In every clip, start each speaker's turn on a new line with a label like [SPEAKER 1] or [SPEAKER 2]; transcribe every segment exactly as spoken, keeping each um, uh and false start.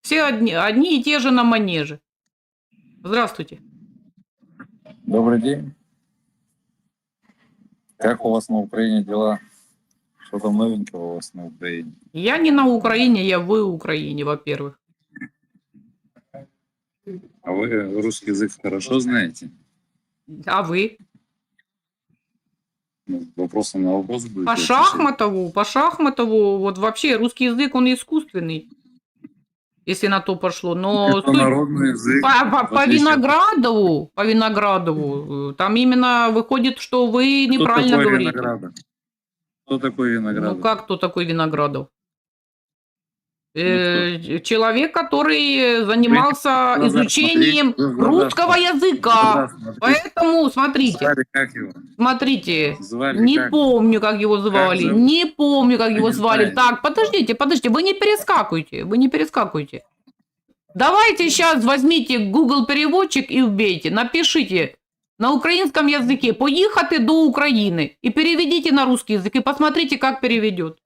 [SPEAKER 1] Все одни, одни и те же на манеже. Здравствуйте.
[SPEAKER 2] Добрый день. Как у вас на Украине дела? Что там новенького у вас на Украине?
[SPEAKER 1] Я не на Украине, я в Украине, во-первых.
[SPEAKER 2] А вы русский язык хорошо знаете?
[SPEAKER 1] А вы?
[SPEAKER 2] Ну, вопросом на вопрос будете
[SPEAKER 1] По
[SPEAKER 2] отвечать?
[SPEAKER 1] Шахматову, по Шахматову, вот вообще русский язык, он искусственный, если на то пошло. Но
[SPEAKER 2] Это
[SPEAKER 1] суть-
[SPEAKER 2] народный язык.
[SPEAKER 1] по, по-
[SPEAKER 2] в
[SPEAKER 1] по
[SPEAKER 2] отличие от-
[SPEAKER 1] Виноградову, по Виноградову, э, там именно выходит, что вы
[SPEAKER 2] Кто
[SPEAKER 1] неправильно
[SPEAKER 2] такой
[SPEAKER 1] говорите.
[SPEAKER 2] Виноградов? Кто такой Виноградов?
[SPEAKER 1] Ну как кто такой Виноградов? Э, человек, который занимался
[SPEAKER 2] глаза
[SPEAKER 1] изучением
[SPEAKER 2] смотрите, вы в глаза
[SPEAKER 1] русского
[SPEAKER 2] смотрите.
[SPEAKER 1] языка.
[SPEAKER 2] Смотрите.
[SPEAKER 1] Поэтому, смотрите,
[SPEAKER 2] Звали как его?
[SPEAKER 1] смотрите,
[SPEAKER 2] Звали
[SPEAKER 1] не
[SPEAKER 2] как?
[SPEAKER 1] помню, как его звали,
[SPEAKER 2] зовут?
[SPEAKER 1] не помню, как его
[SPEAKER 2] не
[SPEAKER 1] звали.
[SPEAKER 2] знаете.
[SPEAKER 1] Так, подождите, подождите, вы не перескакивайте, вы не перескакивайте. Давайте сейчас возьмите Google переводчик и вбейте, напишите на украинском языке «поехати до Украины» и переведите на русский язык и посмотрите, как переведет.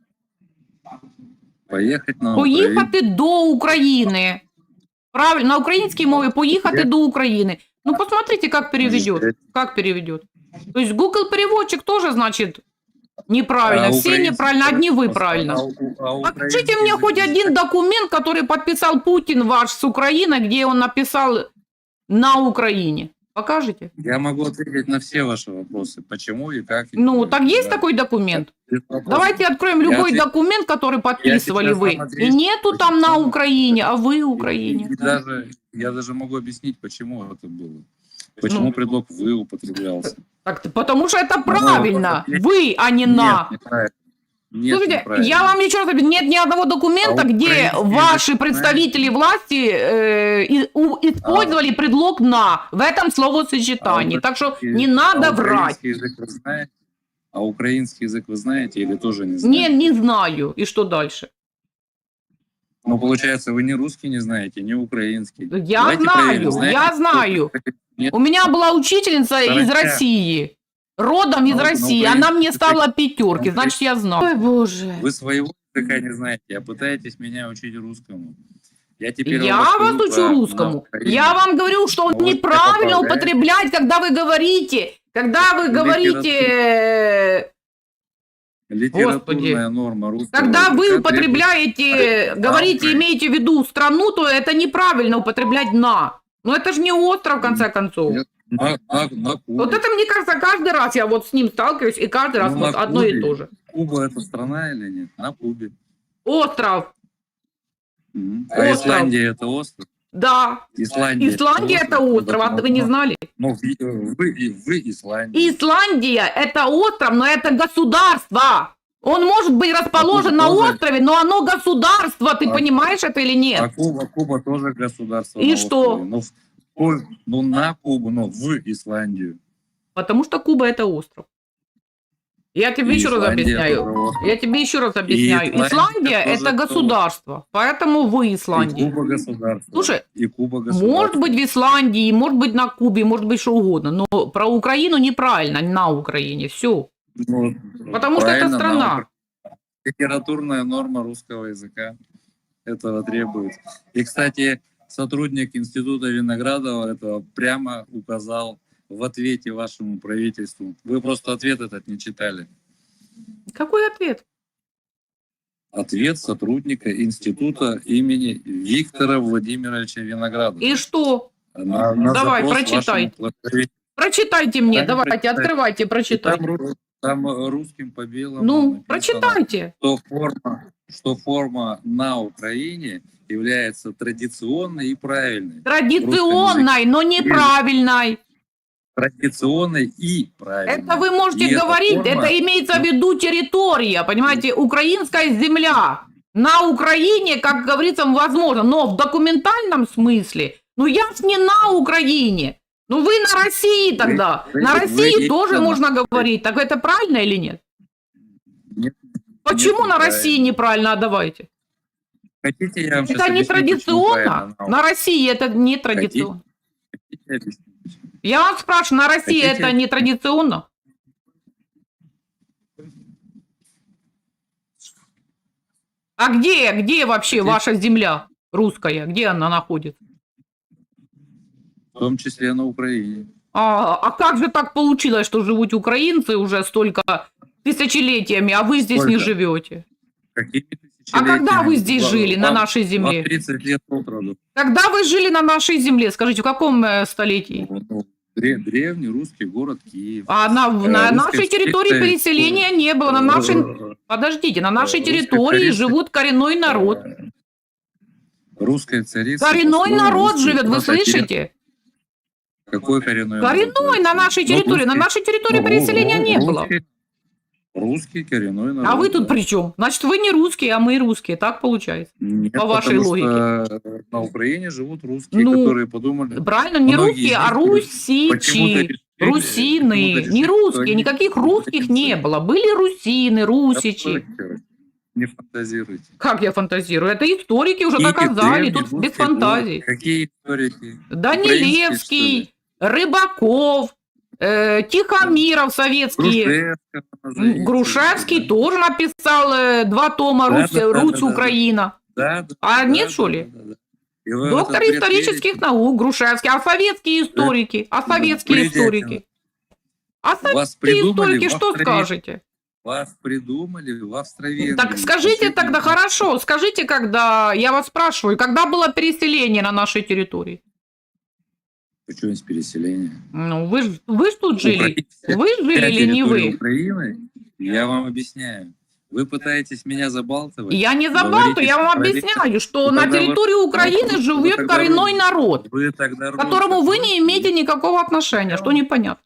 [SPEAKER 2] Поехать на Украину.
[SPEAKER 1] Поїхати до України. Правильно, на українській мові поїхати до України. Ну, посмотрите, как переведет. Как переведет. То есть Google переводчик тоже, значит, неправильно.
[SPEAKER 2] А
[SPEAKER 1] Все
[SPEAKER 2] украинский-
[SPEAKER 1] неправильно, одни вы
[SPEAKER 2] а
[SPEAKER 1] правильно.
[SPEAKER 2] у- а
[SPEAKER 1] Покажите
[SPEAKER 2] украинский
[SPEAKER 1] мне
[SPEAKER 2] язык
[SPEAKER 1] хоть
[SPEAKER 2] вы
[SPEAKER 1] один документ, который подписал Путин ваш с Украины, где он написал «на Украине». Покажите?
[SPEAKER 2] Я могу ответить на все ваши вопросы. Почему и как. и
[SPEAKER 1] Ну,
[SPEAKER 2] кто.
[SPEAKER 1] так есть
[SPEAKER 2] Да.
[SPEAKER 1] такой документ?
[SPEAKER 2] Без вопросов.
[SPEAKER 1] Давайте откроем
[SPEAKER 2] Я
[SPEAKER 1] любой
[SPEAKER 2] ответ-
[SPEAKER 1] документ, который подписывали
[SPEAKER 2] сейчас
[SPEAKER 1] вы.
[SPEAKER 2] вам
[SPEAKER 1] И
[SPEAKER 2] отвечу,
[SPEAKER 1] нету там на
[SPEAKER 2] почему.
[SPEAKER 1] Украине, а вы
[SPEAKER 2] И-
[SPEAKER 1] Украине.
[SPEAKER 2] и даже, я даже могу объяснить, почему это было. Почему
[SPEAKER 1] Ну.
[SPEAKER 2] предлог «вы» употреблялся.
[SPEAKER 1] Так, потому что это
[SPEAKER 2] Ну,
[SPEAKER 1] правильно.
[SPEAKER 2] вот,
[SPEAKER 1] Вы, а не на.
[SPEAKER 2] Нет, неправильно. Нет,
[SPEAKER 1] Слушайте,
[SPEAKER 2] неправильно.
[SPEAKER 1] я вам еще раз говорю, нет ни одного документа,
[SPEAKER 2] А
[SPEAKER 1] где
[SPEAKER 2] украинский
[SPEAKER 1] ваши
[SPEAKER 2] язык
[SPEAKER 1] представители власти э, и- у- использовали предлог «на» в этом словосочетании.
[SPEAKER 2] А
[SPEAKER 1] Так что
[SPEAKER 2] украинский-
[SPEAKER 1] не надо
[SPEAKER 2] а
[SPEAKER 1] врать.
[SPEAKER 2] украинский язык вы знаете? А украинский язык вы знаете или тоже не знаете?
[SPEAKER 1] Не, не знаю. И что дальше?
[SPEAKER 2] Ну, получается, вы ни русский не знаете, ни украинский.
[SPEAKER 1] Я
[SPEAKER 2] Давайте
[SPEAKER 1] знаю,
[SPEAKER 2] проверим, знаете,
[SPEAKER 1] я
[SPEAKER 2] кто-
[SPEAKER 1] знаю.
[SPEAKER 2] Нет?
[SPEAKER 1] У меня была учительница из
[SPEAKER 2] Саранча.
[SPEAKER 1] России. Родом из
[SPEAKER 2] Ну, ну,
[SPEAKER 1] России.
[SPEAKER 2] украинский
[SPEAKER 1] Она мне
[SPEAKER 2] язык-
[SPEAKER 1] ставила пятерки.
[SPEAKER 2] ну,
[SPEAKER 1] Значит, я знаю. Ой, боже.
[SPEAKER 2] Вы своего языка не знаете, а пытаетесь меня учить русскому. Я теперь вам
[SPEAKER 1] Я
[SPEAKER 2] расскажу
[SPEAKER 1] вас учу
[SPEAKER 2] про-
[SPEAKER 1] русскому.
[SPEAKER 2] на Украине.
[SPEAKER 1] Я вам говорю, что
[SPEAKER 2] Ну, вот
[SPEAKER 1] неправильно
[SPEAKER 2] это
[SPEAKER 1] употреблять, когда вы говорите, когда вы
[SPEAKER 2] Литература.
[SPEAKER 1] говорите, э,
[SPEAKER 2] Литературная норма русского
[SPEAKER 1] когда вы
[SPEAKER 2] языка
[SPEAKER 1] употребляете,
[SPEAKER 2] требует-
[SPEAKER 1] говорите,
[SPEAKER 2] А,
[SPEAKER 1] имеете в виду страну, то это неправильно употреблять «на». Но это же не остров, в конце концов.
[SPEAKER 2] Нет, на, на, на Кубе.
[SPEAKER 1] Вот это, мне кажется, каждый раз я вот с ним сталкиваюсь, и каждый раз
[SPEAKER 2] Ну,
[SPEAKER 1] вот
[SPEAKER 2] на
[SPEAKER 1] одно и
[SPEAKER 2] Кубе.
[SPEAKER 1] то же.
[SPEAKER 2] Куба это страна или нет? На Кубе.
[SPEAKER 1] Остров,
[SPEAKER 2] Мгм. А
[SPEAKER 1] Остров.
[SPEAKER 2] Исландия это остров?
[SPEAKER 1] да.
[SPEAKER 2] Исландия,
[SPEAKER 1] Исландия это остров, а вы не знали?
[SPEAKER 2] Ну, вы, вы, вы Исландия.
[SPEAKER 1] Исландия это остров, но это государство. Он может быть расположен на
[SPEAKER 2] тоже-
[SPEAKER 1] острове, но оно государство. Ты
[SPEAKER 2] А-
[SPEAKER 1] понимаешь это или
[SPEAKER 2] А
[SPEAKER 1] нет?
[SPEAKER 2] Куба, Куба тоже государство.
[SPEAKER 1] И
[SPEAKER 2] на
[SPEAKER 1] что?
[SPEAKER 2] острове. Ну, в- ой, ну, на Кубу, но в Исландию.
[SPEAKER 1] Потому что Куба это остров. Я тебе
[SPEAKER 2] И
[SPEAKER 1] еще раз
[SPEAKER 2] Исландия
[SPEAKER 1] объясняю.
[SPEAKER 2] тоже остров.
[SPEAKER 1] Я тебе еще раз объясняю.
[SPEAKER 2] Исландия
[SPEAKER 1] Исландия
[SPEAKER 2] тоже
[SPEAKER 1] это
[SPEAKER 2] остров.
[SPEAKER 1] государство. Поэтому вы
[SPEAKER 2] И
[SPEAKER 1] Исландия.
[SPEAKER 2] Куба государство.
[SPEAKER 1] Слушай,
[SPEAKER 2] и Куба государство.
[SPEAKER 1] Может быть в Исландии, может быть на Кубе, может быть что угодно. Но про Украину неправильно, на Украине. Все.
[SPEAKER 2] Ну,
[SPEAKER 1] Потому что это
[SPEAKER 2] правильно,
[SPEAKER 1] страна.
[SPEAKER 2] наука. Литературная норма русского языка этого требует. И, кстати, сотрудник Института Виноградова этого прямо указал в ответе вашему правительству. Вы просто ответ этот не читали.
[SPEAKER 1] Какой ответ?
[SPEAKER 2] Ответ сотрудника Института имени Виктора Владимировича Виноградова.
[SPEAKER 1] И что?
[SPEAKER 2] На- на
[SPEAKER 1] Давай,
[SPEAKER 2] запрос
[SPEAKER 1] прочитай.
[SPEAKER 2] вашему правительству.
[SPEAKER 1] Прочитайте мне,
[SPEAKER 2] Там
[SPEAKER 1] давайте,
[SPEAKER 2] прочитай.
[SPEAKER 1] открывайте,
[SPEAKER 2] И
[SPEAKER 1] прочитайте.
[SPEAKER 2] Там, ру- там э, русским по белому
[SPEAKER 1] Ну,
[SPEAKER 2] написано,
[SPEAKER 1] прочитайте.
[SPEAKER 2] что форма, что форма на Украине является традиционной и правильной.
[SPEAKER 1] Традиционной, но неправильной.
[SPEAKER 2] Традиционной и правильной.
[SPEAKER 1] Это вы можете
[SPEAKER 2] И эта
[SPEAKER 1] говорить,
[SPEAKER 2] форма-
[SPEAKER 1] это имеется в виду территория, понимаете, украинская земля. На Украине, как говорится, возможно, но в документальном смысле, ну я ж не на Украине. Ну вы на России тогда.
[SPEAKER 2] вы-
[SPEAKER 1] на
[SPEAKER 2] вы
[SPEAKER 1] России тоже
[SPEAKER 2] именно-
[SPEAKER 1] можно говорить. Так это правильно или нет?
[SPEAKER 2] Нет,
[SPEAKER 1] Почему
[SPEAKER 2] нет,
[SPEAKER 1] на
[SPEAKER 2] неправильно.
[SPEAKER 1] России неправильно? А давайте.
[SPEAKER 2] Хотите, я вам щас
[SPEAKER 1] Это не
[SPEAKER 2] объясню, почему
[SPEAKER 1] традиционно.
[SPEAKER 2] правильно на
[SPEAKER 1] На России это не традиционно.
[SPEAKER 2] Хотите объяснить, почему?
[SPEAKER 1] Я вас спрашиваю, на России
[SPEAKER 2] Хотите?
[SPEAKER 1] это не традиционно? А где, где вообще
[SPEAKER 2] Хотите?
[SPEAKER 1] ваша земля? русская? Где она находится?
[SPEAKER 2] В том числе на Украине.
[SPEAKER 1] А, а как же так получилось, что живут украинцы уже столько тысячелетиями, а вы здесь не
[SPEAKER 2] Сколько?
[SPEAKER 1] живете?
[SPEAKER 2] Какими
[SPEAKER 1] А когда
[SPEAKER 2] тысячелетиями?
[SPEAKER 1] вы здесь
[SPEAKER 2] Вам-
[SPEAKER 1] жили, на
[SPEAKER 2] вам-
[SPEAKER 1] нашей
[SPEAKER 2] вам
[SPEAKER 1] земле?
[SPEAKER 2] тридцать лет от роду.
[SPEAKER 1] Когда вы жили на нашей земле? Скажите, в каком э, столетии?
[SPEAKER 2] Ну, ну, дре- Древний русский город Киев.
[SPEAKER 1] А на,
[SPEAKER 2] Э,
[SPEAKER 1] на
[SPEAKER 2] русская
[SPEAKER 1] нашей территории
[SPEAKER 2] история-
[SPEAKER 1] переселения не было. На нашей... Подождите, на нашей
[SPEAKER 2] Русская
[SPEAKER 1] территории
[SPEAKER 2] царица-
[SPEAKER 1] живут коренной народ.
[SPEAKER 2] Э, Русская царица.
[SPEAKER 1] Коренной
[SPEAKER 2] построила
[SPEAKER 1] народ
[SPEAKER 2] русский-
[SPEAKER 1] живет, вы
[SPEAKER 2] наша терри-
[SPEAKER 1] слышите?
[SPEAKER 2] Какой коренной народ?
[SPEAKER 1] Коренной на нашей
[SPEAKER 2] Ну,
[SPEAKER 1] территории. На
[SPEAKER 2] русский-
[SPEAKER 1] нашей территории
[SPEAKER 2] ну,
[SPEAKER 1] переселения
[SPEAKER 2] ру-
[SPEAKER 1] не было.
[SPEAKER 2] русский- Русский коренной народ.
[SPEAKER 1] А вы тут
[SPEAKER 2] да.
[SPEAKER 1] при чем? Значит, вы не русские, а мы русские. Так получается.
[SPEAKER 2] Нет,
[SPEAKER 1] по вашей
[SPEAKER 2] потому
[SPEAKER 1] логике?
[SPEAKER 2] что на Украине живут русские,
[SPEAKER 1] Ну,
[SPEAKER 2] которые подумали.
[SPEAKER 1] Правильно, не
[SPEAKER 2] Многие
[SPEAKER 1] русские, а
[SPEAKER 2] из них почему-то
[SPEAKER 1] русичи,
[SPEAKER 2] решили-
[SPEAKER 1] русины.
[SPEAKER 2] почему-то
[SPEAKER 1] Не
[SPEAKER 2] решили, что
[SPEAKER 1] русские,
[SPEAKER 2] они
[SPEAKER 1] никаких русских не
[SPEAKER 2] украинцы.
[SPEAKER 1] было. Были русины, русичи.
[SPEAKER 2] Не фантазируйте.
[SPEAKER 1] Как я фантазирую? Это историки уже
[SPEAKER 2] Какие
[SPEAKER 1] доказали,
[SPEAKER 2] древние
[SPEAKER 1] тут без
[SPEAKER 2] русские
[SPEAKER 1] фантазий.
[SPEAKER 2] горы? Какие историки?
[SPEAKER 1] Данилевский, Рыбаков, э, Тихомиров советский.
[SPEAKER 2] Грушевского назовите.
[SPEAKER 1] М, Грушевский тоже написал э, два тома
[SPEAKER 2] Да,
[SPEAKER 1] «Русь,
[SPEAKER 2] да, да,
[SPEAKER 1] Русь
[SPEAKER 2] да, да.
[SPEAKER 1] Украина».
[SPEAKER 2] Да, да,
[SPEAKER 1] А
[SPEAKER 2] да,
[SPEAKER 1] нет,
[SPEAKER 2] да,
[SPEAKER 1] что
[SPEAKER 2] да,
[SPEAKER 1] ли?
[SPEAKER 2] да, да. И вы в
[SPEAKER 1] Доктор
[SPEAKER 2] этот бред
[SPEAKER 1] исторических
[SPEAKER 2] верите?
[SPEAKER 1] наук Грушевский. А советские историки? А
[SPEAKER 2] Ну,
[SPEAKER 1] советские
[SPEAKER 2] бредятина.
[SPEAKER 1] историки? А советские
[SPEAKER 2] Вас придумали
[SPEAKER 1] историки
[SPEAKER 2] в
[SPEAKER 1] что
[SPEAKER 2] Австралии.
[SPEAKER 1] скажете?
[SPEAKER 2] Вас придумали в Австро-Венгрии.
[SPEAKER 1] Так скажите
[SPEAKER 2] Последний-
[SPEAKER 1] тогда, хорошо, скажите, когда, я вас спрашиваю, когда было переселение на нашей территории?
[SPEAKER 2] Почему есть переселение?
[SPEAKER 1] Ну, вы, ж- вы ж тут жили.
[SPEAKER 2] Украина- вся-
[SPEAKER 1] Вы жили
[SPEAKER 2] вся
[SPEAKER 1] или не
[SPEAKER 2] территория
[SPEAKER 1] вы?
[SPEAKER 2] Украины, я вам объясняю. Вы пытаетесь меня забалтывать.
[SPEAKER 1] Я не
[SPEAKER 2] Говорите,
[SPEAKER 1] забалтываю, я вам
[SPEAKER 2] что проверяете.
[SPEAKER 1] объясняю, что
[SPEAKER 2] Ну,
[SPEAKER 1] на
[SPEAKER 2] тогда вы-
[SPEAKER 1] территории Украины
[SPEAKER 2] ну,
[SPEAKER 1] живет
[SPEAKER 2] тогда
[SPEAKER 1] коренной
[SPEAKER 2] вы-
[SPEAKER 1] народ,
[SPEAKER 2] Вы тогда
[SPEAKER 1] к которому
[SPEAKER 2] русских
[SPEAKER 1] вы не имеете
[SPEAKER 2] русских.
[SPEAKER 1] никакого отношения, что непонятно.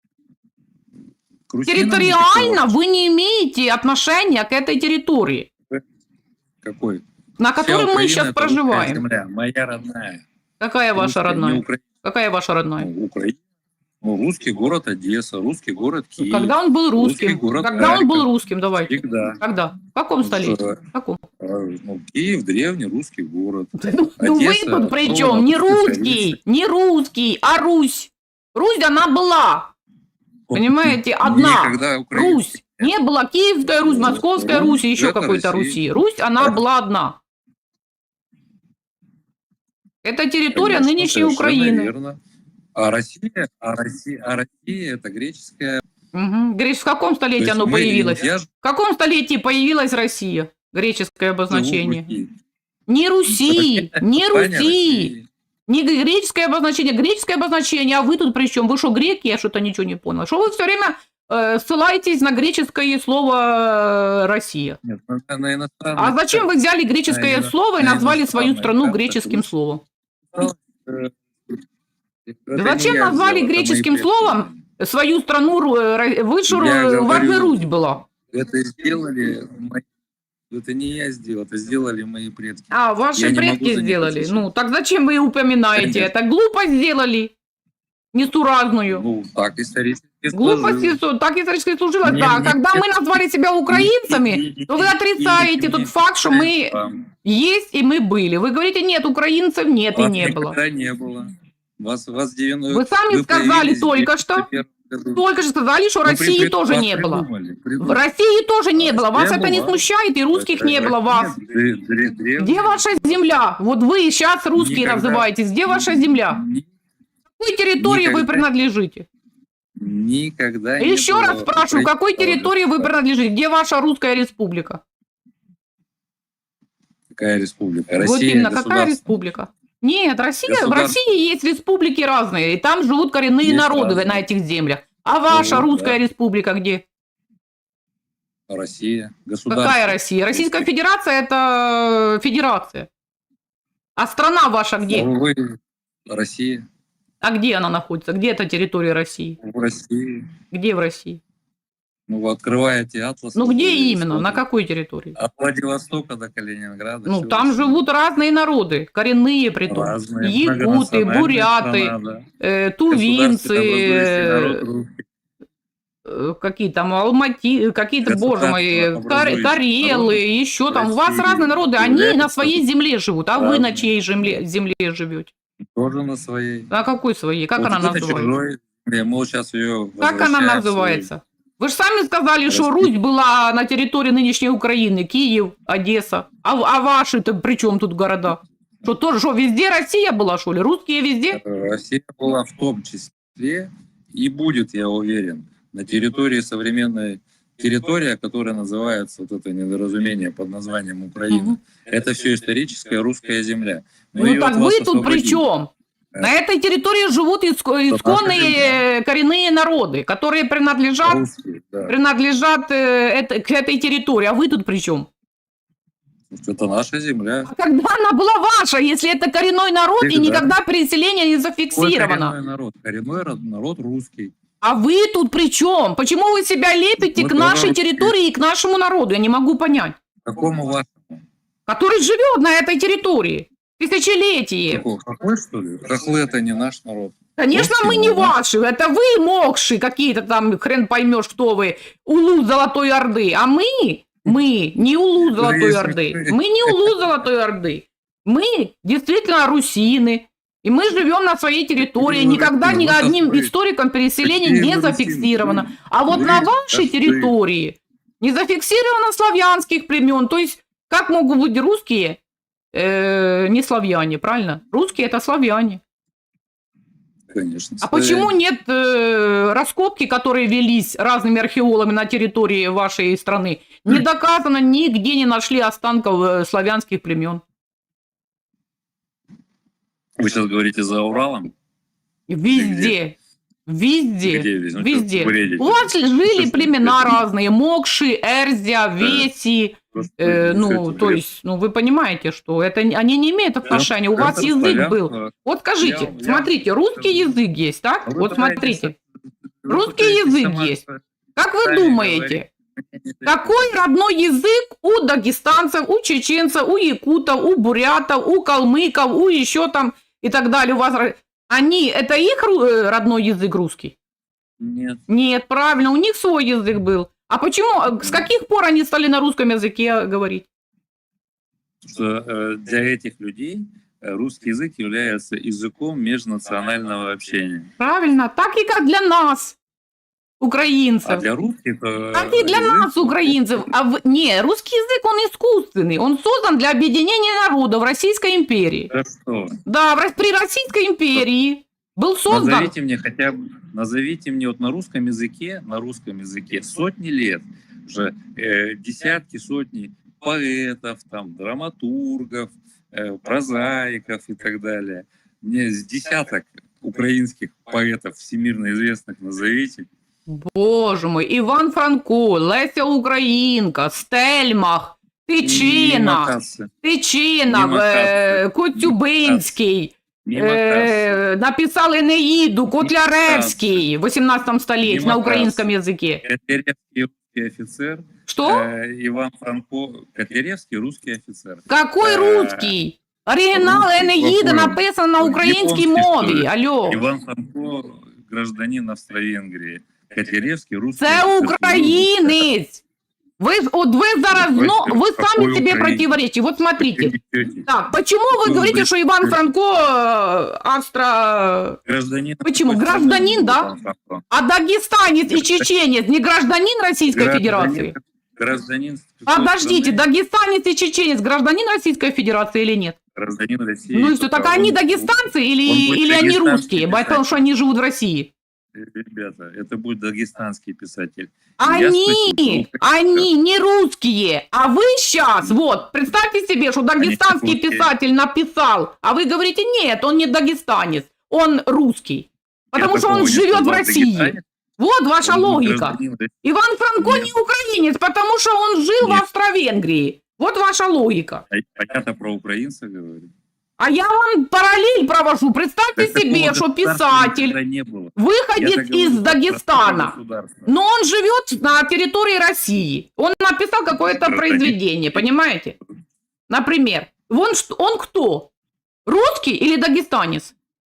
[SPEAKER 2] К русинам
[SPEAKER 1] Территориально
[SPEAKER 2] никакого.
[SPEAKER 1] вы не имеете отношения к этой территории,
[SPEAKER 2] Какой?
[SPEAKER 1] на
[SPEAKER 2] Вся
[SPEAKER 1] которой мы
[SPEAKER 2] Украина
[SPEAKER 1] сейчас
[SPEAKER 2] — это русская
[SPEAKER 1] проживаем.
[SPEAKER 2] земля, моя родная.
[SPEAKER 1] Какая ваша
[SPEAKER 2] Русская, не
[SPEAKER 1] родная?
[SPEAKER 2] Украина.
[SPEAKER 1] Какая ваша родная?
[SPEAKER 2] Ну, Украина. Ну, русский город Одесса, русский город Киев.
[SPEAKER 1] Когда он был
[SPEAKER 2] русский
[SPEAKER 1] русским?
[SPEAKER 2] город
[SPEAKER 1] Когда он
[SPEAKER 2] Харьков.
[SPEAKER 1] был русским? Давайте.
[SPEAKER 2] Всегда.
[SPEAKER 1] Когда? В каком столетии?
[SPEAKER 2] Что,
[SPEAKER 1] В каком?
[SPEAKER 2] э, ну, Киев древний русский город.
[SPEAKER 1] Ну, ну вы
[SPEAKER 2] Одесса,
[SPEAKER 1] тут при
[SPEAKER 2] ну,
[SPEAKER 1] чем? Не
[SPEAKER 2] русская
[SPEAKER 1] русский,
[SPEAKER 2] столица.
[SPEAKER 1] не русский, а Русь. Русь, она была. Понимаете, одна.
[SPEAKER 2] Никогда Украина-
[SPEAKER 1] Русь. Не было Киевская Русь, Московская
[SPEAKER 2] Русь,
[SPEAKER 1] Русь и еще
[SPEAKER 2] это
[SPEAKER 1] какой-то
[SPEAKER 2] Россия.
[SPEAKER 1] Руси. Русь, она была одна. Это территория
[SPEAKER 2] Конечно,
[SPEAKER 1] нынешней
[SPEAKER 2] совершенно
[SPEAKER 1] Украины.
[SPEAKER 2] верно. А Россия, а Россия, а Россия это греческая.
[SPEAKER 1] Угу. Говоришь, в каком
[SPEAKER 2] То
[SPEAKER 1] столетии
[SPEAKER 2] есть
[SPEAKER 1] оно
[SPEAKER 2] мы-
[SPEAKER 1] появилось?
[SPEAKER 2] я ж
[SPEAKER 1] В каком столетии появилась Россия? Греческое
[SPEAKER 2] живу в
[SPEAKER 1] обозначение.
[SPEAKER 2] Руси.
[SPEAKER 1] Не Руси, не
[SPEAKER 2] Таня,
[SPEAKER 1] Руси.
[SPEAKER 2] Россия.
[SPEAKER 1] Не греческое обозначение, греческое обозначение, а вы тут при чем? Вы что, греки? Я что-то ничего не поняла. Что вы все время э, ссылаетесь на греческое слово э, «Россия»?
[SPEAKER 2] Нет, на, на иностранный
[SPEAKER 1] А зачем вы взяли греческое
[SPEAKER 2] на
[SPEAKER 1] слово и
[SPEAKER 2] ино-
[SPEAKER 1] назвали
[SPEAKER 2] на
[SPEAKER 1] свою
[SPEAKER 2] иностранный
[SPEAKER 1] страну
[SPEAKER 2] язык,
[SPEAKER 1] греческим
[SPEAKER 2] так
[SPEAKER 1] словом?
[SPEAKER 2] Э, это
[SPEAKER 1] Зачем
[SPEAKER 2] не я
[SPEAKER 1] назвали
[SPEAKER 2] сделал, это
[SPEAKER 1] греческим
[SPEAKER 2] мои предки.
[SPEAKER 1] словом свою страну? Ру- э, Ро- Вы же,
[SPEAKER 2] Я
[SPEAKER 1] у вас же
[SPEAKER 2] говорю-
[SPEAKER 1] Русь была.
[SPEAKER 2] Это сделали мои... Это не я сделал, это сделали мои предки.
[SPEAKER 1] А, ваши
[SPEAKER 2] Я не могу
[SPEAKER 1] предки
[SPEAKER 2] за них
[SPEAKER 1] сделали.
[SPEAKER 2] отвечать.
[SPEAKER 1] Ну, так зачем вы упоминаете?
[SPEAKER 2] Конечно.
[SPEAKER 1] Это глупость сделали. Несуразную.
[SPEAKER 2] Ну, так исторически
[SPEAKER 1] Глупости,
[SPEAKER 2] сложилось.
[SPEAKER 1] со- так исторически служилось.
[SPEAKER 2] Не-
[SPEAKER 1] Да,
[SPEAKER 2] не-
[SPEAKER 1] когда мы назвали себя украинцами,
[SPEAKER 2] Не-
[SPEAKER 1] то вы
[SPEAKER 2] не-
[SPEAKER 1] отрицаете
[SPEAKER 2] не-
[SPEAKER 1] тот
[SPEAKER 2] не-
[SPEAKER 1] факт, что мы
[SPEAKER 2] Вам.
[SPEAKER 1] есть и мы были. Вы говорите, нет, украинцев нет и
[SPEAKER 2] Вас
[SPEAKER 1] не было.
[SPEAKER 2] никогда не было. Вас, вас девяносто
[SPEAKER 1] Вы сами сказали
[SPEAKER 2] появились в
[SPEAKER 1] только что.
[SPEAKER 2] девяносто первом году.
[SPEAKER 1] Только что сказали, что
[SPEAKER 2] Ну,
[SPEAKER 1] России
[SPEAKER 2] при-
[SPEAKER 1] тоже
[SPEAKER 2] вас
[SPEAKER 1] не было.
[SPEAKER 2] придумали,
[SPEAKER 1] В
[SPEAKER 2] придумали.
[SPEAKER 1] России тоже не было. Вас
[SPEAKER 2] Не
[SPEAKER 1] это не
[SPEAKER 2] было.
[SPEAKER 1] смущает, и русских не было вас.
[SPEAKER 2] Нет, дре- дре- древние.
[SPEAKER 1] Где ваша земля? Вот вы сейчас русские
[SPEAKER 2] Никогда.
[SPEAKER 1] называетесь. Где ваша земля?
[SPEAKER 2] Ни-
[SPEAKER 1] Какой территории вы
[SPEAKER 2] Никогда.
[SPEAKER 1] принадлежите?
[SPEAKER 2] Никогда не
[SPEAKER 1] Еще
[SPEAKER 2] было
[SPEAKER 1] раз спрашиваю,
[SPEAKER 2] украинского
[SPEAKER 1] какой территории вы
[SPEAKER 2] государства.
[SPEAKER 1] принадлежите? Где ваша русская республика?
[SPEAKER 2] Какая республика?
[SPEAKER 1] Вот
[SPEAKER 2] Россия,
[SPEAKER 1] именно, какая
[SPEAKER 2] государство.
[SPEAKER 1] республика? Нет, Россия, в
[SPEAKER 2] Государство.
[SPEAKER 1] России есть республики разные, и там живут коренные
[SPEAKER 2] Есть
[SPEAKER 1] народы
[SPEAKER 2] разные.
[SPEAKER 1] на этих землях. А ваша
[SPEAKER 2] Ну,
[SPEAKER 1] русская
[SPEAKER 2] да.
[SPEAKER 1] республика где?
[SPEAKER 2] Россия, государство.
[SPEAKER 1] Какая Россия? Российская Федерация – это федерация. А страна ваша где?
[SPEAKER 2] Ну, вы- Россия.
[SPEAKER 1] А где она находится? Где эта территория России?
[SPEAKER 2] В России.
[SPEAKER 1] Где в России?
[SPEAKER 2] Ну, вы открываете атлас.
[SPEAKER 1] Ну
[SPEAKER 2] вы
[SPEAKER 1] где именно? На
[SPEAKER 2] смотрите.
[SPEAKER 1] какой территории?
[SPEAKER 2] От Владивостока до Калининграда.
[SPEAKER 1] Ну
[SPEAKER 2] всё
[SPEAKER 1] там
[SPEAKER 2] Россия.
[SPEAKER 1] живут разные народы, коренные притом.
[SPEAKER 2] Разные,
[SPEAKER 1] Якуты,
[SPEAKER 2] многонациональная
[SPEAKER 1] буряты,
[SPEAKER 2] страна, да.
[SPEAKER 1] э,
[SPEAKER 2] Государство
[SPEAKER 1] тувинцы,
[SPEAKER 2] там образующий народ
[SPEAKER 1] э,
[SPEAKER 2] русский.
[SPEAKER 1] э, какие там алмати, какие-то, боже мой,
[SPEAKER 2] Государство
[SPEAKER 1] кар-
[SPEAKER 2] образующий
[SPEAKER 1] карелы,
[SPEAKER 2] народ
[SPEAKER 1] еще там. У вас
[SPEAKER 2] России
[SPEAKER 1] разные народы, они
[SPEAKER 2] является
[SPEAKER 1] на своей земле живут, а вы на
[SPEAKER 2] разными.
[SPEAKER 1] чьей земле, земле живете?
[SPEAKER 2] Тоже на своей.
[SPEAKER 1] На какой своей? Как
[SPEAKER 2] Вот
[SPEAKER 1] она
[SPEAKER 2] это
[SPEAKER 1] называется?
[SPEAKER 2] чужой. Я, мы сейчас ее
[SPEAKER 1] Как она
[SPEAKER 2] возвращаем в
[SPEAKER 1] называется? Вы же сами сказали, что
[SPEAKER 2] Россия.
[SPEAKER 1] Русь была на территории нынешней Украины, Киев, Одесса. А, а ваши-то при чем тут города?
[SPEAKER 2] свой-
[SPEAKER 1] Что тоже, что везде Россия была, что ли? Русские везде?
[SPEAKER 2] Россия была в том числе и будет, я уверен, на территории современной территория, которая называется, вот это недоразумение под названием Украина.
[SPEAKER 1] Мгм.
[SPEAKER 2] Это все историческая русская земля. Мы
[SPEAKER 1] Ну
[SPEAKER 2] ее
[SPEAKER 1] так
[SPEAKER 2] от вас
[SPEAKER 1] вы тут при
[SPEAKER 2] освободим.
[SPEAKER 1] чем? На этой территории живут иско-
[SPEAKER 2] наша
[SPEAKER 1] исконные коренные народы, которые принадлежат,
[SPEAKER 2] Русские, да.
[SPEAKER 1] принадлежат э, это- к этой территории. А вы тут при чем?
[SPEAKER 2] Это наша земля.
[SPEAKER 1] А когда она была ваша, если это коренной народ и
[SPEAKER 2] Всегда.
[SPEAKER 1] никогда переселение не
[SPEAKER 2] Какой
[SPEAKER 1] зафиксировано?
[SPEAKER 2] коренной народ? Коренной род- народ русский.
[SPEAKER 1] А вы тут при чем? Почему вы себя лепите
[SPEAKER 2] Мы
[SPEAKER 1] к нашей
[SPEAKER 2] тоже
[SPEAKER 1] территории и к нашему народу? Я не могу понять.
[SPEAKER 2] Какому вашему?
[SPEAKER 1] Который живет на этой территории тысячелетие.
[SPEAKER 2] Какой? Какой, что ли? Хохлы это не наш народ.
[SPEAKER 1] Конечно,
[SPEAKER 2] Русские,
[SPEAKER 1] мы не
[SPEAKER 2] ну, да.
[SPEAKER 1] ваши, это вы мокши какие-то там, хрен поймешь, кто вы, улу Золотой Орды, а мы, мы не улу Золотой
[SPEAKER 2] если
[SPEAKER 1] Орды,
[SPEAKER 2] вы-
[SPEAKER 1] мы не улу Золотой Орды, мы действительно русины, и мы живем на своей территории,
[SPEAKER 2] Какие вы
[SPEAKER 1] никогда
[SPEAKER 2] русины?
[SPEAKER 1] ни
[SPEAKER 2] Вот
[SPEAKER 1] одним
[SPEAKER 2] вы-
[SPEAKER 1] историком переселения
[SPEAKER 2] какие
[SPEAKER 1] не
[SPEAKER 2] вы русины?
[SPEAKER 1] зафиксировано. А вот
[SPEAKER 2] Вы
[SPEAKER 1] на вашей
[SPEAKER 2] простые.
[SPEAKER 1] территории не зафиксировано славянских племен, то есть как могут быть русские, э, не славяне, правильно? Русские это славяне.
[SPEAKER 2] Конечно.
[SPEAKER 1] А
[SPEAKER 2] славяне.
[SPEAKER 1] почему нет э, раскопки, которые велись разными археологами на территории вашей страны? Не доказано, нигде не нашли останков э, славянских племен.
[SPEAKER 2] Вы сейчас говорите за Уралом?
[SPEAKER 1] Везде. Везде.
[SPEAKER 2] Где везде? Ну,
[SPEAKER 1] Везде.
[SPEAKER 2] что вы бредите?
[SPEAKER 1] У вас жили
[SPEAKER 2] Что ж
[SPEAKER 1] племена
[SPEAKER 2] вы-
[SPEAKER 1] разные. Мокши, Эрзя, Веси.
[SPEAKER 2] Просто
[SPEAKER 1] э,
[SPEAKER 2] вы
[SPEAKER 1] ну,
[SPEAKER 2] несете
[SPEAKER 1] то
[SPEAKER 2] бред.
[SPEAKER 1] есть, ну, вы понимаете, что это, не- они не имеют отношения. У вас
[SPEAKER 2] Это
[SPEAKER 1] язык был.
[SPEAKER 2] славянство.
[SPEAKER 1] Вот скажите,
[SPEAKER 2] Я- я-
[SPEAKER 1] смотрите, русский язык есть, так?
[SPEAKER 2] А вы
[SPEAKER 1] Вот
[SPEAKER 2] пытаетесь-
[SPEAKER 1] смотрите.
[SPEAKER 2] вы
[SPEAKER 1] Русский
[SPEAKER 2] пытаетесь
[SPEAKER 1] язык
[SPEAKER 2] сама-
[SPEAKER 1] есть. Как вы
[SPEAKER 2] сами
[SPEAKER 1] думаете?
[SPEAKER 2] говорить.
[SPEAKER 1] Какой родной язык у дагестанцев, у чеченцев, у якутов, у бурятов, у калмыков, у еще там и так далее? У вас ро- они, это их ру- э, родной язык русский?
[SPEAKER 2] Нет.
[SPEAKER 1] Нет, правильно, у них свой язык был. А почему, э, с каких пор они стали на русском языке говорить?
[SPEAKER 2] Что э, для этих людей э, русский язык является языком межнационального общения.
[SPEAKER 1] Правильно, так и как для нас, украинцев.
[SPEAKER 2] А для русских... э,
[SPEAKER 1] Так и для
[SPEAKER 2] язык-
[SPEAKER 1] нас, украинцев. А в- не, русский язык, он искусственный. Он создан для объединения народов Российской империи.
[SPEAKER 2] Да что?
[SPEAKER 1] Да, в Ро- при Российской империи был создан.
[SPEAKER 2] Назовите мне хотя бы, назовите мне вот на русском языке, на русском языке сотни лет, уже э, десятки, сотни поэтов, там, драматургов, э, прозаиков и так далее. Мне с десяток украинских поэтов всемирно известных назовите.
[SPEAKER 1] Боже мой, Іван Франко, Леся Українка, Стельмах,
[SPEAKER 2] Не
[SPEAKER 1] Тичина,
[SPEAKER 2] мотаться,
[SPEAKER 1] Тичина,
[SPEAKER 2] Мимо
[SPEAKER 1] е,
[SPEAKER 2] касси.
[SPEAKER 1] Коцюбинський,
[SPEAKER 2] не мотаться.
[SPEAKER 1] е, написал Енеїду, Котляревський в вісімнадцятому столітті
[SPEAKER 2] Мимо
[SPEAKER 1] на українському язикі.
[SPEAKER 2] Котляревский русский офицер,
[SPEAKER 1] Что?
[SPEAKER 2] э, Иван Франко, Котляревский русский офицер.
[SPEAKER 1] Какой
[SPEAKER 2] Е,
[SPEAKER 1] русский? Оригінал
[SPEAKER 2] русский,
[SPEAKER 1] Енеїда
[SPEAKER 2] какой?
[SPEAKER 1] написан на українській
[SPEAKER 2] Японський,
[SPEAKER 1] мові.
[SPEAKER 2] що ли?
[SPEAKER 1] Алло.
[SPEAKER 2] Иван Франко, гражданин Австро-Венгрии. Котляревский, русский
[SPEAKER 1] Це
[SPEAKER 2] офицер.
[SPEAKER 1] українець. Ви, ж- от ви зараз,
[SPEAKER 2] Какой-
[SPEAKER 1] ну, вы
[SPEAKER 2] какой
[SPEAKER 1] сами себе
[SPEAKER 2] украинец?
[SPEAKER 1] противоречите. Вот смотрите. Так, почему вы
[SPEAKER 2] Ну,
[SPEAKER 1] говорите,
[SPEAKER 2] вы-
[SPEAKER 1] что Иван Франко э, австро...
[SPEAKER 2] Гражданин.
[SPEAKER 1] Почему?
[SPEAKER 2] какой страны
[SPEAKER 1] Гражданин,
[SPEAKER 2] был
[SPEAKER 1] да?
[SPEAKER 2] Иван Франко?
[SPEAKER 1] А дагестанец и чеченец не гражданин Российской
[SPEAKER 2] Гражданин-
[SPEAKER 1] Федерации?
[SPEAKER 2] Гражданин. какой
[SPEAKER 1] Подождите,
[SPEAKER 2] страны?
[SPEAKER 1] дагестанец и чеченец гражданин Российской Федерации или нет?
[SPEAKER 2] Гражданин России.
[SPEAKER 1] Ну и что, так
[SPEAKER 2] только
[SPEAKER 1] они
[SPEAKER 2] он-
[SPEAKER 1] дагестанцы или,
[SPEAKER 2] он будет
[SPEAKER 1] или они
[SPEAKER 2] дагестанский
[SPEAKER 1] русские,
[SPEAKER 2] писатель.
[SPEAKER 1] потому что они живут в России?
[SPEAKER 2] Ребята, это будет дагестанский писатель. Я
[SPEAKER 1] Они,
[SPEAKER 2] спросил,
[SPEAKER 1] они не русские, а вы сейчас, вот, представьте себе, что дагестанский
[SPEAKER 2] русские.
[SPEAKER 1] писатель написал, а вы говорите, нет, он не дагестанец, он русский, потому
[SPEAKER 2] Я
[SPEAKER 1] что он
[SPEAKER 2] такого не
[SPEAKER 1] живет в
[SPEAKER 2] сказал,
[SPEAKER 1] России.
[SPEAKER 2] дагестанец,
[SPEAKER 1] Вот ваша
[SPEAKER 2] он
[SPEAKER 1] логика.
[SPEAKER 2] гражданин России.
[SPEAKER 1] Иван Франко
[SPEAKER 2] Нет.
[SPEAKER 1] не украинец, потому что он жил в
[SPEAKER 2] Нет.
[SPEAKER 1] Австро-Венгрии. Вот ваша логика.
[SPEAKER 2] А понятно, про украинца говорю.
[SPEAKER 1] А я вам параллель провожу. Представьте
[SPEAKER 2] Так
[SPEAKER 1] себе,
[SPEAKER 2] такого
[SPEAKER 1] что
[SPEAKER 2] государства
[SPEAKER 1] писатель,
[SPEAKER 2] никогда не было.
[SPEAKER 1] выходец
[SPEAKER 2] Я-то говорю
[SPEAKER 1] из
[SPEAKER 2] про
[SPEAKER 1] Дагестана,
[SPEAKER 2] государство.
[SPEAKER 1] но он живет на территории России. Он написал какое-то
[SPEAKER 2] Гражданин.
[SPEAKER 1] произведение, понимаете? Например, он, ш- он кто? Русский или дагестанец?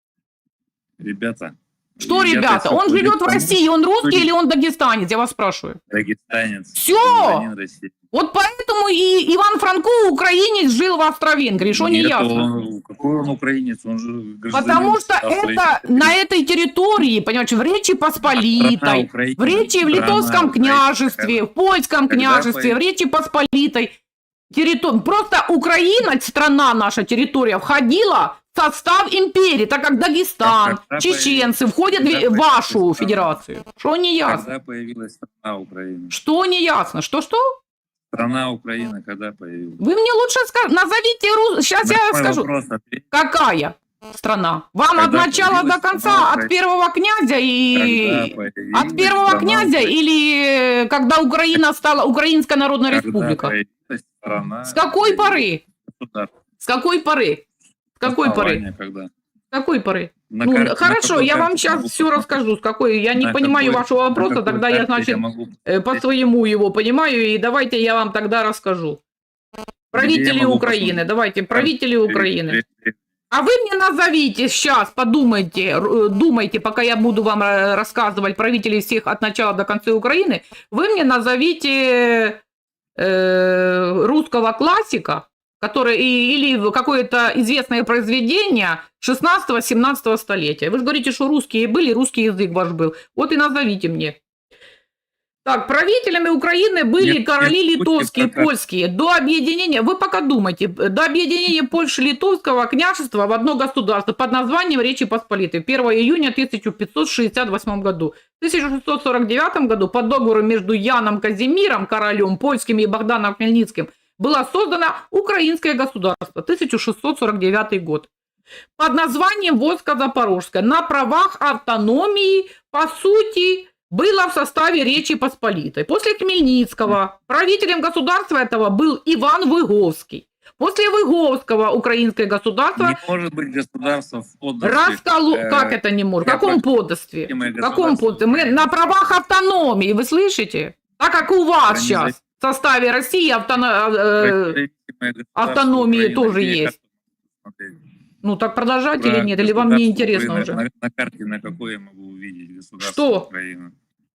[SPEAKER 2] Ребята.
[SPEAKER 1] Что,
[SPEAKER 2] я-то
[SPEAKER 1] ребята?
[SPEAKER 2] всё
[SPEAKER 1] Он
[SPEAKER 2] понял,
[SPEAKER 1] живет в
[SPEAKER 2] потому
[SPEAKER 1] России, он русский
[SPEAKER 2] что
[SPEAKER 1] или он дагестанец? Я вас спрашиваю.
[SPEAKER 2] Дагестанец.
[SPEAKER 1] Всё!
[SPEAKER 2] Гражданин России.
[SPEAKER 1] Вот поэтому и Иван Франко, украинец, жил в Австро-Венгрии. Что не
[SPEAKER 2] Нет,
[SPEAKER 1] ясно?
[SPEAKER 2] он- какой он украинец? Он же гражданин
[SPEAKER 1] Потому что
[SPEAKER 2] Австрии.
[SPEAKER 1] это на этой территории, понимаете, в Речи
[SPEAKER 2] Страна
[SPEAKER 1] Посполитой,
[SPEAKER 2] Украина,
[SPEAKER 1] в Речи в
[SPEAKER 2] страна
[SPEAKER 1] Литовском
[SPEAKER 2] Украина.
[SPEAKER 1] княжестве, в Польском
[SPEAKER 2] Когда
[SPEAKER 1] княжестве,
[SPEAKER 2] пой-
[SPEAKER 1] в Речи Посполитой. территор... Просто Украина, страна наша, территория, входила в состав империи, так как Дагестан,
[SPEAKER 2] Когда
[SPEAKER 1] чеченцы
[SPEAKER 2] появилась-
[SPEAKER 1] входят
[SPEAKER 2] когда
[SPEAKER 1] в
[SPEAKER 2] появилась
[SPEAKER 1] вашу
[SPEAKER 2] страна?
[SPEAKER 1] федерацию. Что не ясно?
[SPEAKER 2] Когда появилась страна Украина?
[SPEAKER 1] Что не ясно? Что-что?
[SPEAKER 2] Страна Украина когда появилась?
[SPEAKER 1] Вы мне лучше скажите, назовите, ру- сейчас
[SPEAKER 2] На
[SPEAKER 1] я
[SPEAKER 2] мой
[SPEAKER 1] скажу,
[SPEAKER 2] вопрос ответь.
[SPEAKER 1] какая страна? Вам
[SPEAKER 2] Когда
[SPEAKER 1] от начала
[SPEAKER 2] появилась
[SPEAKER 1] до конца,
[SPEAKER 2] страна
[SPEAKER 1] от
[SPEAKER 2] Украина?
[SPEAKER 1] первого князя
[SPEAKER 2] Когда
[SPEAKER 1] и...
[SPEAKER 2] появилась
[SPEAKER 1] От первого
[SPEAKER 2] страна
[SPEAKER 1] князя
[SPEAKER 2] Украина?
[SPEAKER 1] или э, когда Украина стала Украинская Народная
[SPEAKER 2] Когда
[SPEAKER 1] Республика?
[SPEAKER 2] появилась страна
[SPEAKER 1] С какой
[SPEAKER 2] Украина?
[SPEAKER 1] поры?
[SPEAKER 2] Государство.
[SPEAKER 1] С какой поры? С какой поры?
[SPEAKER 2] Основание когда?
[SPEAKER 1] С какой поры?
[SPEAKER 2] На
[SPEAKER 1] Ну,
[SPEAKER 2] карте- на
[SPEAKER 1] хорошо,
[SPEAKER 2] какой
[SPEAKER 1] я вам
[SPEAKER 2] карте
[SPEAKER 1] сейчас
[SPEAKER 2] могу
[SPEAKER 1] все
[SPEAKER 2] посмотреть?
[SPEAKER 1] расскажу, с какой. Я не
[SPEAKER 2] На
[SPEAKER 1] понимаю
[SPEAKER 2] какой-
[SPEAKER 1] вашего
[SPEAKER 2] на
[SPEAKER 1] вопроса,
[SPEAKER 2] какой
[SPEAKER 1] тогда я,
[SPEAKER 2] карте
[SPEAKER 1] значит,
[SPEAKER 2] могу
[SPEAKER 1] э, по своему его понимаю, и давайте я вам тогда расскажу. Правители
[SPEAKER 2] могу
[SPEAKER 1] Украины,
[SPEAKER 2] посмотреть?
[SPEAKER 1] давайте, правители Украины.
[SPEAKER 2] Пере-
[SPEAKER 1] А вы мне назовите сейчас, подумайте, р- думайте, пока я буду вам э, рассказывать правителей всех от начала до конца Украины, вы мне назовите э, русского классика, который, и- или какое-то известное произведение шестнадцатого-семнадцатого столетия. Вы же говорите, что русские были, русский язык ваш был. Вот и назовите мне. Так, правителями Украины были
[SPEAKER 2] Нет,
[SPEAKER 1] короли
[SPEAKER 2] нет,
[SPEAKER 1] литовские,
[SPEAKER 2] будьте пока-
[SPEAKER 1] польские. До объединения, вы пока думайте, до объединения Польши и Литовского княжества в одно государство под названием Речи Посполитой первого июня тысяча пятьсот шестьдесят восьмого году. В тысяча шестьсот сорок девятом году по договору между Яном Казимиром, королем польским, и Богданом Хмельницким было создано Украинское государство, тысяча шестьсот сорок девятый год, под названием войско Запорожское, на правах автономии, по сути, было в составе Речи Посполитой. После Хмельницкого правителем государства этого был Иван Выговский. После Выговского украинское государство
[SPEAKER 2] Не может быть государство в подданстве.
[SPEAKER 1] расколо...
[SPEAKER 2] э,
[SPEAKER 1] Как это не может? В
[SPEAKER 2] я
[SPEAKER 1] каком
[SPEAKER 2] про-
[SPEAKER 1] подданстве?
[SPEAKER 2] Любимое
[SPEAKER 1] В каком
[SPEAKER 2] государство.
[SPEAKER 1] подданстве? Мы на правах автономии, вы слышите? Так как у вас
[SPEAKER 2] Организа-
[SPEAKER 1] сейчас в составе России автоно- э,
[SPEAKER 2] Независимое государство
[SPEAKER 1] автономии
[SPEAKER 2] Украина.
[SPEAKER 1] тоже
[SPEAKER 2] Где
[SPEAKER 1] есть.
[SPEAKER 2] карту смотреть?
[SPEAKER 1] Ну так продолжать
[SPEAKER 2] Про
[SPEAKER 1] или нет? Или вам не
[SPEAKER 2] государство
[SPEAKER 1] интересно
[SPEAKER 2] Украины.
[SPEAKER 1] уже?
[SPEAKER 2] На, на карте на какой я могу увидеть государство
[SPEAKER 1] Что?
[SPEAKER 2] Украины?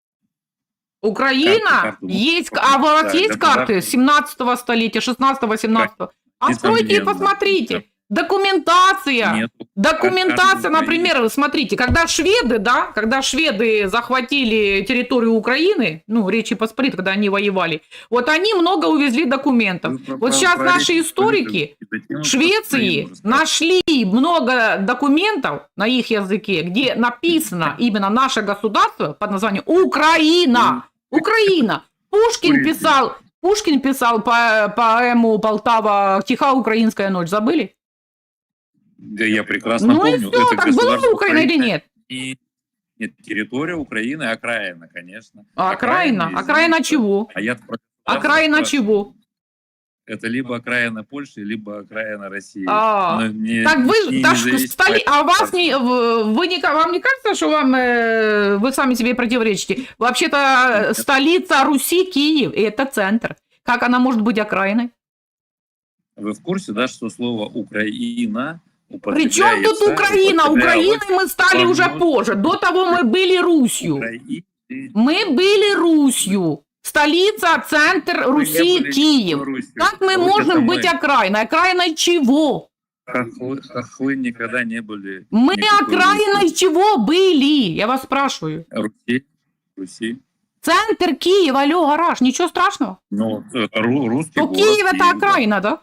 [SPEAKER 1] Украина
[SPEAKER 2] Карту, карту.
[SPEAKER 1] есть, а у вас
[SPEAKER 2] Да,
[SPEAKER 1] есть
[SPEAKER 2] государство.
[SPEAKER 1] карты семнадцатого столетия, шестнадцатого, семнадцатого? Откройте и
[SPEAKER 2] Несомненно.
[SPEAKER 1] посмотрите. Документация.
[SPEAKER 2] Нету.
[SPEAKER 1] Документация,
[SPEAKER 2] Карты
[SPEAKER 1] например, смотрите, когда шведы, да, когда шведы захватили территорию Украины, ну, Речи Посполитой, когда они воевали, вот они много увезли документов.
[SPEAKER 2] Вы про-
[SPEAKER 1] Вот
[SPEAKER 2] про-
[SPEAKER 1] сейчас
[SPEAKER 2] про
[SPEAKER 1] наши
[SPEAKER 2] Речь
[SPEAKER 1] историки
[SPEAKER 2] Посполитую затянули,
[SPEAKER 1] Швеции
[SPEAKER 2] Украину рассказать.
[SPEAKER 1] нашли много документов на их языке, где написано именно наше государство под названием Украина. Украина. Пушкин
[SPEAKER 2] Ой.
[SPEAKER 1] писал, Пушкин писал по поэму «Полтава. Тиха украинская ночь». Забыли?
[SPEAKER 2] Да, я прекрасно
[SPEAKER 1] Ну и
[SPEAKER 2] помню.
[SPEAKER 1] все,
[SPEAKER 2] Это
[SPEAKER 1] так была
[SPEAKER 2] государство
[SPEAKER 1] Украина или нет?
[SPEAKER 2] И- Нет, территория Украины, окраина, конечно.
[SPEAKER 1] А окраина?
[SPEAKER 2] извините.
[SPEAKER 1] Окраина чего?
[SPEAKER 2] А я про
[SPEAKER 1] Окраина
[SPEAKER 2] государство
[SPEAKER 1] чего?
[SPEAKER 2] Это либо окраина Польши, либо окраина России.
[SPEAKER 1] А,
[SPEAKER 2] Но не-
[SPEAKER 1] Так вы,
[SPEAKER 2] не
[SPEAKER 1] так ж
[SPEAKER 2] независимо
[SPEAKER 1] столи,
[SPEAKER 2] от
[SPEAKER 1] а вас
[SPEAKER 2] государства.
[SPEAKER 1] не, в- вы не, вам не кажется, что вам, э, вы сами себе противоречите? Вообще-то э,
[SPEAKER 2] Нет.
[SPEAKER 1] столица Руси Киев, и это центр. Как она может быть окраиной?
[SPEAKER 2] Вы в курсе, да, что слово Украина
[SPEAKER 1] При чем тут
[SPEAKER 2] употребляется-
[SPEAKER 1] Украина?
[SPEAKER 2] употребляется
[SPEAKER 1] Украиной мы стали
[SPEAKER 2] во
[SPEAKER 1] уже
[SPEAKER 2] многих-
[SPEAKER 1] позже. До того мы были Русью.
[SPEAKER 2] Украины.
[SPEAKER 1] Мы были Русью. Столица, центр
[SPEAKER 2] Вы не
[SPEAKER 1] Руси,
[SPEAKER 2] были
[SPEAKER 1] Киев.
[SPEAKER 2] Русью.
[SPEAKER 1] Как мы
[SPEAKER 2] Вот
[SPEAKER 1] можем
[SPEAKER 2] это
[SPEAKER 1] быть
[SPEAKER 2] мы.
[SPEAKER 1] окраиной? Окраиной чего?
[SPEAKER 2] Хохлы, хохлы никогда не были.
[SPEAKER 1] Мы
[SPEAKER 2] никакой
[SPEAKER 1] окраиной
[SPEAKER 2] Русью.
[SPEAKER 1] чего были? Я вас спрашиваю.
[SPEAKER 2] Руси. Руси.
[SPEAKER 1] Центр Киев, алло, гараж, ничего страшного.
[SPEAKER 2] Ну, это ру- русский
[SPEAKER 1] То
[SPEAKER 2] город.
[SPEAKER 1] Киев это
[SPEAKER 2] Киев, да.
[SPEAKER 1] окраина, да?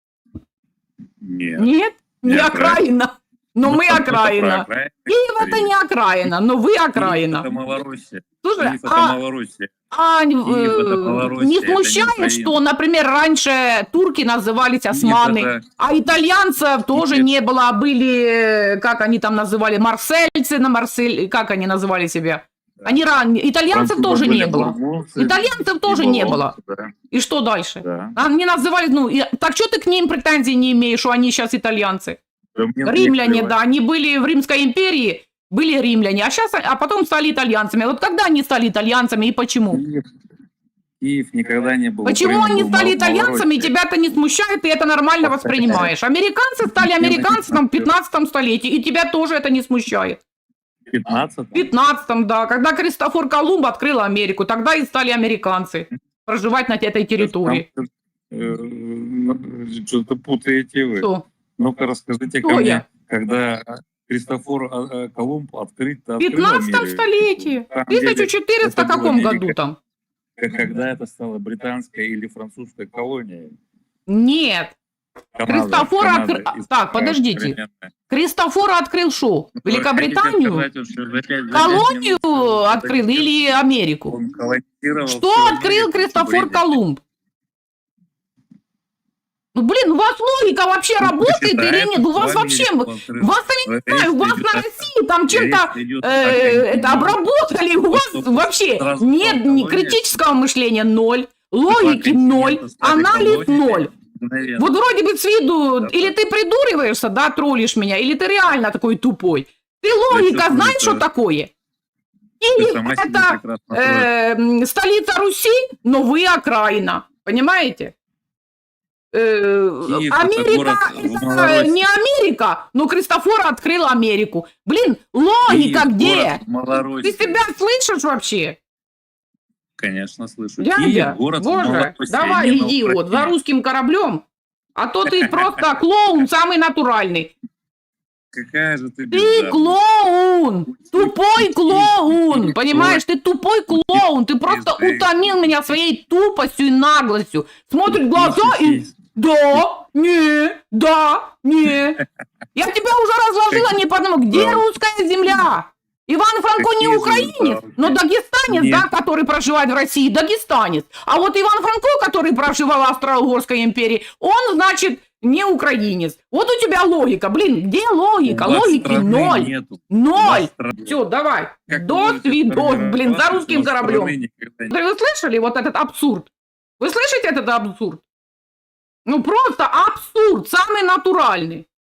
[SPEAKER 2] Нет.
[SPEAKER 1] Нет, не
[SPEAKER 2] Не
[SPEAKER 1] окраина. Но
[SPEAKER 2] Ну,
[SPEAKER 1] мы
[SPEAKER 2] это про
[SPEAKER 1] окраина.
[SPEAKER 2] окраину
[SPEAKER 1] Киев это не окраина, но вы
[SPEAKER 2] Киев это
[SPEAKER 1] окраина.
[SPEAKER 2] Малороссия.
[SPEAKER 1] Слушай,
[SPEAKER 2] Киев это
[SPEAKER 1] а,
[SPEAKER 2] Малороссия.
[SPEAKER 1] а, э,
[SPEAKER 2] это Малороссия,
[SPEAKER 1] не
[SPEAKER 2] это не
[SPEAKER 1] смущает,
[SPEAKER 2] Украина.
[SPEAKER 1] что, например, раньше турки назывались османы,
[SPEAKER 2] Киев это-
[SPEAKER 1] а итальянцев тоже
[SPEAKER 2] Нет.
[SPEAKER 1] не было, а были, э, как они там называли, марсельцы на Марсель, как они называли себя? Они ран... Итальянцев
[SPEAKER 2] Французы
[SPEAKER 1] тоже
[SPEAKER 2] были
[SPEAKER 1] не было.
[SPEAKER 2] бургунцы,
[SPEAKER 1] Итальянцев
[SPEAKER 2] и
[SPEAKER 1] тоже не было.
[SPEAKER 2] болонцы, да,
[SPEAKER 1] И что дальше?
[SPEAKER 2] да.
[SPEAKER 1] Они называли, ну, и- так что ты к ним претензий не имеешь, что они сейчас итальянцы?
[SPEAKER 2] Да мне
[SPEAKER 1] Римляне,
[SPEAKER 2] плевать.
[SPEAKER 1] да, они были в Римской империи, были римляне, а сейчас, а потом стали итальянцами. Вот когда они стали итальянцами и почему?
[SPEAKER 2] Киев, Киев никогда не был.
[SPEAKER 1] Почему
[SPEAKER 2] Украина
[SPEAKER 1] они
[SPEAKER 2] был
[SPEAKER 1] стали
[SPEAKER 2] Мал-
[SPEAKER 1] итальянцами, и
[SPEAKER 2] Малороссия.
[SPEAKER 1] тебя это не смущает, и это нормально воспринимаешь? Американцы стали американцами в пятнадцатом столетии, и тебя тоже это не смущает.
[SPEAKER 2] В пятнадцатом?
[SPEAKER 1] В пятнадцатом, да, когда Кристофор Колумб открыл Америку, тогда и стали американцы проживать на этой территории.
[SPEAKER 2] Там, э, Что-то путаете вы.
[SPEAKER 1] Что?
[SPEAKER 2] Ну-ка расскажите
[SPEAKER 1] Кто
[SPEAKER 2] ко мне,
[SPEAKER 1] я?
[SPEAKER 2] когда Кристофор а, а, Колумб открыт,
[SPEAKER 1] В пятнадцатом столетии, в тысяча четыреста
[SPEAKER 2] это было
[SPEAKER 1] каком
[SPEAKER 2] не
[SPEAKER 1] году
[SPEAKER 2] века.
[SPEAKER 1] там?
[SPEAKER 2] Когда это стало британской или французской колонией.
[SPEAKER 1] Нет.
[SPEAKER 2] Канада,
[SPEAKER 1] Христофор
[SPEAKER 2] Канада,
[SPEAKER 1] открыл...
[SPEAKER 2] из-
[SPEAKER 1] Так, подождите.
[SPEAKER 2] современная.
[SPEAKER 1] Христофор открыл шо?
[SPEAKER 2] Ну, вы
[SPEAKER 1] Великобританию?
[SPEAKER 2] хотите сказать, вот, что за пять- за
[SPEAKER 1] Колонию
[SPEAKER 2] пять минут
[SPEAKER 1] открыл или Америку?
[SPEAKER 2] он колонизировал
[SPEAKER 1] Что
[SPEAKER 2] всю
[SPEAKER 1] открыл
[SPEAKER 2] Америку,
[SPEAKER 1] Христофор
[SPEAKER 2] бредите.
[SPEAKER 1] Колумб? Ну, блин, у вас логика вообще
[SPEAKER 2] Ну,
[SPEAKER 1] работает
[SPEAKER 2] почитайте,
[SPEAKER 1] или нет? У вас
[SPEAKER 2] что
[SPEAKER 1] вообще...
[SPEAKER 2] Америку открыл.
[SPEAKER 1] Вас, я не
[SPEAKER 2] Речь
[SPEAKER 1] знаю, у вас
[SPEAKER 2] идет
[SPEAKER 1] на
[SPEAKER 2] о-
[SPEAKER 1] России там чем-то
[SPEAKER 2] речь идет
[SPEAKER 1] э,
[SPEAKER 2] о
[SPEAKER 1] это
[SPEAKER 2] континенте.
[SPEAKER 1] обработали, у вас
[SPEAKER 2] Что
[SPEAKER 1] вообще
[SPEAKER 2] сразу
[SPEAKER 1] нет ни
[SPEAKER 2] колония.
[SPEAKER 1] критического мышления ноль, логики
[SPEAKER 2] континента
[SPEAKER 1] ноль,
[SPEAKER 2] стали
[SPEAKER 1] анализ
[SPEAKER 2] колониями.
[SPEAKER 1] ноль.
[SPEAKER 2] Мгновенно.
[SPEAKER 1] Вот вроде бы с виду,
[SPEAKER 2] Да,
[SPEAKER 1] или
[SPEAKER 2] да.
[SPEAKER 1] ты придуриваешься, да, троллишь меня, или ты реально такой тупой. Ты логика
[SPEAKER 2] чувствуете,
[SPEAKER 1] знаешь, что
[SPEAKER 2] да.
[SPEAKER 1] такое?
[SPEAKER 2] Ты
[SPEAKER 1] Или
[SPEAKER 2] сама себя
[SPEAKER 1] это
[SPEAKER 2] прекрасно строишь.
[SPEAKER 1] э, м, столица Руси, но вы окраина, понимаете? Э,
[SPEAKER 2] Киев — это
[SPEAKER 1] Америка
[SPEAKER 2] город в
[SPEAKER 1] это
[SPEAKER 2] Малороссии.
[SPEAKER 1] не Америка, но Христофор открыл Америку. Блин, логика
[SPEAKER 2] Киев,
[SPEAKER 1] где?
[SPEAKER 2] город в Малороссии.
[SPEAKER 1] Ты себя слышишь вообще?
[SPEAKER 2] Конечно, слышу.
[SPEAKER 1] Дядя,
[SPEAKER 2] Киев, город в
[SPEAKER 1] боже,
[SPEAKER 2] Малороссии,
[SPEAKER 1] давай
[SPEAKER 2] не на
[SPEAKER 1] иди вот за
[SPEAKER 2] Украине.
[SPEAKER 1] русским кораблем, а то ты просто клоун самый натуральный.
[SPEAKER 2] Какая же ты
[SPEAKER 1] Ты
[SPEAKER 2] бездарная.
[SPEAKER 1] клоун! Тупой клоун! Понимаешь, ты тупой клоун! Ты просто утомил меня своей тупостью и наглостью. Смотрит в глаза и... Да, не, да, не. Я тебя уже разложила не по одному. Где
[SPEAKER 2] Да.
[SPEAKER 1] русская земля? Иван Франко не
[SPEAKER 2] Какие же
[SPEAKER 1] украинец,
[SPEAKER 2] вы
[SPEAKER 1] но дагестанец,
[SPEAKER 2] Нет.
[SPEAKER 1] да, который проживает в России, дагестанец. А вот Иван Франко, который проживал в Австро-Угорской империи, он, значит, не украинец. Вот у тебя логика. Блин, где логика?
[SPEAKER 2] У вас
[SPEAKER 1] Логики
[SPEAKER 2] страны
[SPEAKER 1] ноль.
[SPEAKER 2] нету. У вас
[SPEAKER 1] Ноль.
[SPEAKER 2] страны-
[SPEAKER 1] Все, давай.
[SPEAKER 2] Как вы
[SPEAKER 1] До
[SPEAKER 2] можете
[SPEAKER 1] свидос, блин, за
[SPEAKER 2] сформироваться,
[SPEAKER 1] русским
[SPEAKER 2] у вас
[SPEAKER 1] кораблем.
[SPEAKER 2] страны никогда нет?
[SPEAKER 1] Вы слышали вот этот абсурд? Вы слышите этот абсурд? Ну просто абсурд, самый натуральный.